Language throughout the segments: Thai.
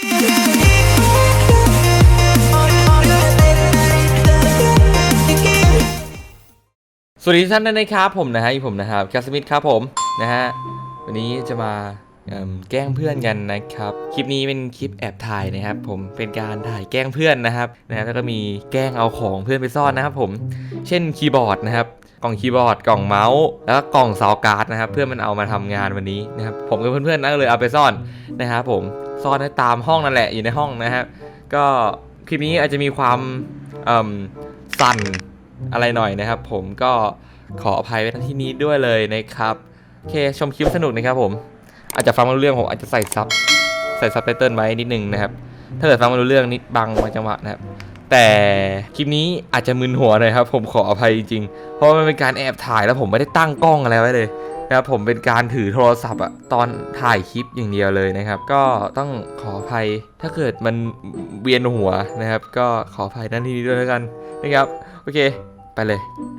สวัสดีทุกท่านนะครับผมนะครับแคสมิธครับผมนะฮะวันนี้จะมาแกล้งเพื่อนกันนะครับคลิปนี้เป็นคลิปแอบถ่ายนะครับผมเป็นการถ่ายแกล้งเพื่อนนะครับแล้วก็มีแกล้งเอาของเพื่อนไปซ่อนนะครับผมเช่นคีย์บอร์ดนะครับกล่องคีย์บอร์ดกล่องเมาส์แล้วก็กล่องซาวการ์ดนะครับเพื่อนมันเอามาทำงานวันนี้นะครับผมกับเพื่อนๆนั่นเลยเอาไปซ่อนนะครับผมซ่อนไว้ตามห้องนั่นแหละอยู่ในห้องนะครับก็คลิปนี้อาจจะมีความสั่นอะไรหน่อยนะครับผมก็ขออภัยไว้ที่นี้ด้วยเลยนะครับโอเคชมคลิปสนุกนะครับผมอาจจะฟังไม่รู้เรื่องผมอาจจะใส่ซับไตเติลไว้นิดนึงนะครับถ้าเกิดฟังไม่รู้เรื่องนิดบางจังหวะนะครับแต่คลิปนี้อาจจะมึนหัวหน่อยครับผมขออภัยจริงๆเพราะมันเป็นการแอบถ่ายแล้วผมไม่ได้ตั้งกล้องอะไรไว้เลยนะครับผมเป็นการถือโทรศัพท์อะตอนถ่ายคลิปอย่างเดียวเลยนะครับก็ต้องขออภัยถ้าเกิดมันเวียนหัวนะครับก็ขออภัยด้านที่นี้ด้วยแล้วกันนะครับโอเคไปเลย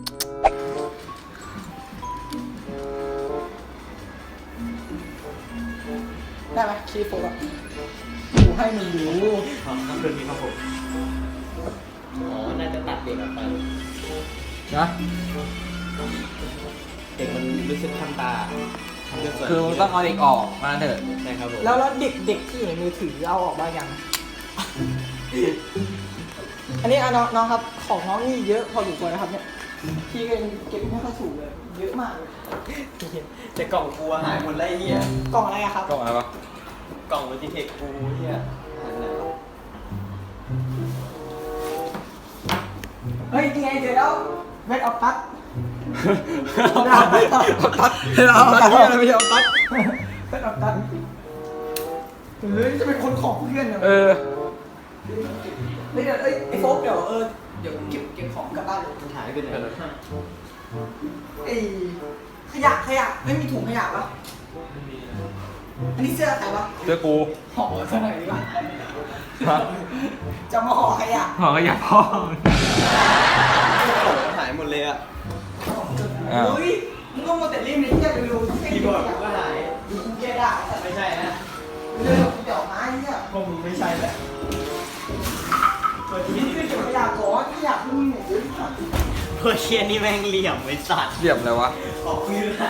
ได้ไหมคีย์โฟล์กูให้มึงดูครับเรื่องนี้ครับผมน่าจะตัดเด็กออกไปนะเด็กมันรู้สึกคันตาคือต้องเอาเด็กออกมาเถอะใช่ครับผมแล้วเด็กที่อยู่ในมือถือเอาออกบ้างยังอันนี้น้องครับของน้องนี่เยอะพออยู่ตัวนะครับเนี่ยพี่เก็บไม่ค่อยถูกเลยเยอะมากเลยแต่กล่องกูหายหมดแล้วไอ้เหี้ยกล่องอะไรอะครับกล่องอะไรวะกล่องวิจิเทคกูเหี้ยหายไปไหนวะเฮ้ยยังไงเจอแล้วเวทออฟตัสเอาตัดอะไรไม่ใช่เอาตัดเวทออฟตัสหรือจะเป็นคนของเพื่อนเออเดี๋ยวไอ้โฟกเดี๋ยวเก็บของกลับบ้านเลยหายไปไหนแล้วไอ้ขยะไม่มีถุงขยะปะอันนี้เสื้อใครวะเสื้อกูห่อเสื้อไหนดีวะจะมาห่อขยะพ่อหายหมดเลยอ่ะเฮ้ยมึงก็มาแต่เล่มนี้จะไปดูคีย์บอร์ดกูก็หายดูกูแกได้ไม่ใช่นะเรื่องเดี๋ยวมาเนี่ยพวกมึงไม่ใช่แหละนี่คือเก็บขยะก่อนขยะมึงเนี่ยเยอะมากพวกเชียนี่แม่งเหลี่ยมไอ้สัตว์เหลี่ยมอะไรวะออกมือไหน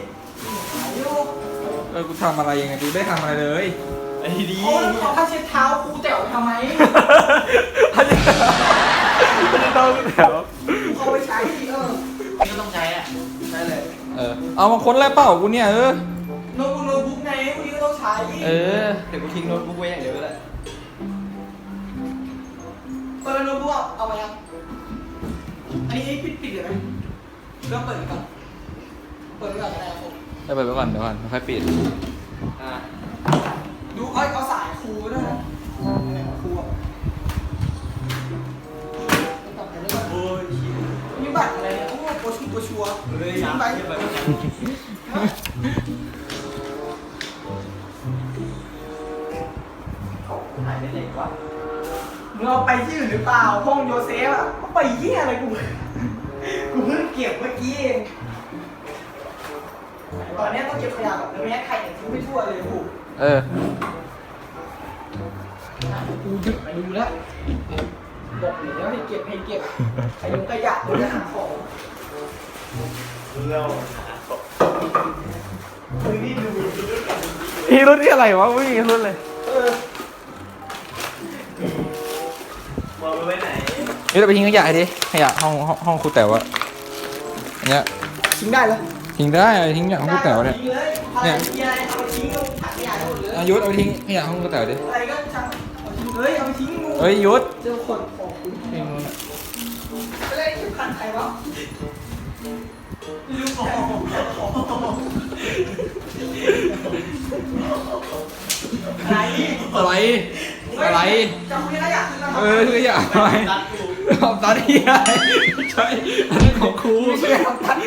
กูทำอะไรยังไงกูได้ทำอะไรเลยไอ้ดีเขาผ้าเช็ดเท้ากูแต๋วทำไมผ้าเช็ดเท้าแถวเขาไปใช้ก็ต้องใช้อ่ะใช่เลยเอามาค้นแล้วเปล่ากูเนี่ยโน้ตบุ๊กไงพวกนี้ก็ต้องใช้เดี๋ยวกูทิ้งโน้ตบุ๊กไว้อย่างเดียวก็ได้โน้ตบุ๊กเอามายังอันนี้ปิดเลยไหมเริ่มเปิดก่อนก็ได้ครับผมเปิดไปก่อนเดี๋ยวค่อยปิดดูเอาสายครูด้วยนะครูโอ้ยมีบัตรอะไรเนี่ยโอ้โปชัวเลยทิ้งไปหายไปไหนวะมึงเอาไปที่อื่นหรือเปล่าห้องโยเซฟอ่ะไปเหี้ยอะไรกูเพิ่งเก็บเมื่อกี้เองตอนนี้ต้องเก็บขยะแบบไม่ให้ใครเนี่ยทิ้งไปทั่วเลยกูกูหยุดไปดูแล้วบอกเลยว่าให้เก็บขยงขยะหรือจะหาของเราหาของนี่ดูนี่รุ่นที่อะไรวะไม่มีรุ่นเลยมองไปไหนนี่เราไปทิ้งขยะดิขยะห้องครูแต๋วอะเนี้ยทิ้งได้เลยทิ้งได้ทิ้งขยะห้องครูแต๋วเนี่ยเนี่ยเอาไปทิ้งถังขยะได้หมดเลยยุทธเอาไปทิ้งขยะห้องครูแต๋วดิอะไรก็ช่างเอาทิ้งเลยเอาไปทิ้งงูยุทธเจอคนของคุณทิ้งไปเลยทิ้งพันใครวะลูกของอะไรจะคุยขยะขยะอะไรของตัดที่อะไรใช่อันนี้ของครูไม่ใช่ของตัด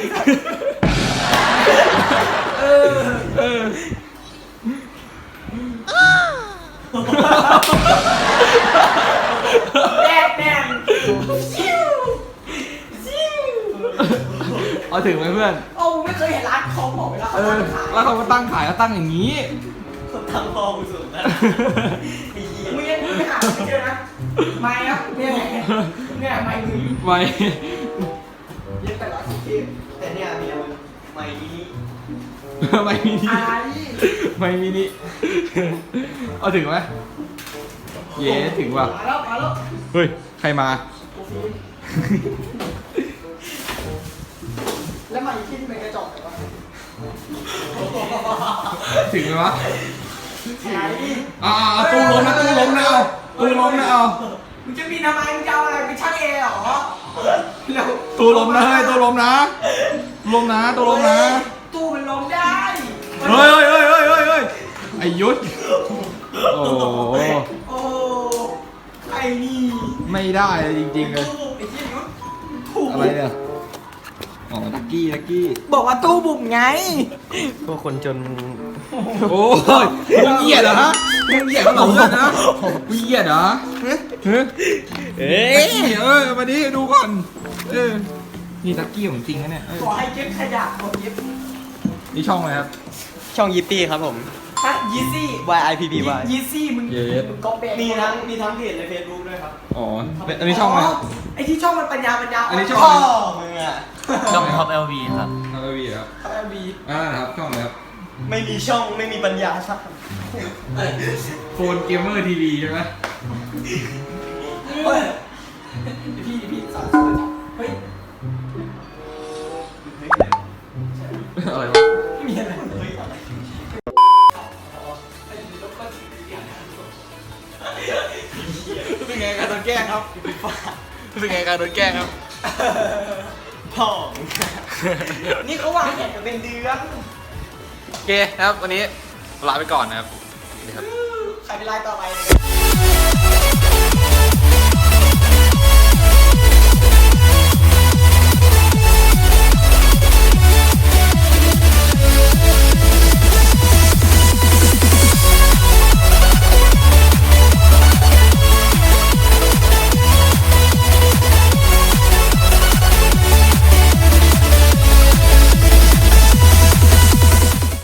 แดงเอาถึงไหมเพื่อนโอ้ไม่เคยเห็นร้านเขาบอกเวลาแล้วเขามาตั้งขายก็ตั้งอย่างนี้เขาตั้งพอกูสุดนะไอ้เหี้ยไม่เจอนะไม่ครับเนี่ยเนี่ยไม่มึงไม่เย็บแต่ละทีแต่เนี่ยเมียมันไม่นี้ไม่มินิอะไรไม่มินิเอาถึงไหมเย้ถึงว่ะมาแล้วมาแล้วเฮ้ยใครมาแล้วมาอีกที่เป็นกระจกไหนวะถึงไหมวะไหนตู้ล้มนะตู้ล้มนะเอาตู้ล้มนะเอามึงจะมีทำไมมึงจะเอาอะไรไปช่างเอเหรอเร็วตู้ล้มนะเฮ้ยตู้ล้มนะล้มนะตู้ล้มนะตู้มันล้มได้เฮ้ยไอ้ยุทธโอ้โหโอ้ไอ้นี่ไม่ได้เลยจริงๆเลยตู้ไอ้ที่ยุทธถูกอะไรเนี่ยอ๋อลักกี้บอกว่าตู้บุ๋มไงพวกคนจนโอ้ยมึงเหยียดเหรอฮะมึงเหยียดเหรอเพื่อนนะมึงเหยียดเหรอเฮ้ยเอ้ยมาดิดูก่อนนี่ลักกี้ของจริงนะเนี่ยขอให้เก็บขยะขอเก็บนี่ช่องอะไรครับช่องยิปปี้ครับผมฮะยีซี่ YIPPY ยีซี่มึงเย็ดมึงก๊อปปี้มีทั้งเพจใน Facebook ด้วยครับอ๋ออันนี้ช่องอะไรครับไอ้ที่ช่องมันปัญญาอันนี้ช่องพ่อมึงอ่ะช่องท็อป LV ครับอะไรวีครับเอ็มบีนะครับช่องอะไรครับไม่มีช่องไม่มีปัญญาสักโฟนเกมเมอร์ทีวีใช่ไหมเฮ้ยพี่สอนเฮ้ยอะไรวะไม่มีอะไรเฮ้ยอะไรเป็นไงการโดนแกล้งครับเป็นไงการโดนแกล้งครับพ่อนี่เขาวางแผนกันเป็นเดือนโอเคครับวันนี้ลาไปก่อนนะครับใครเป็นรายต่อไป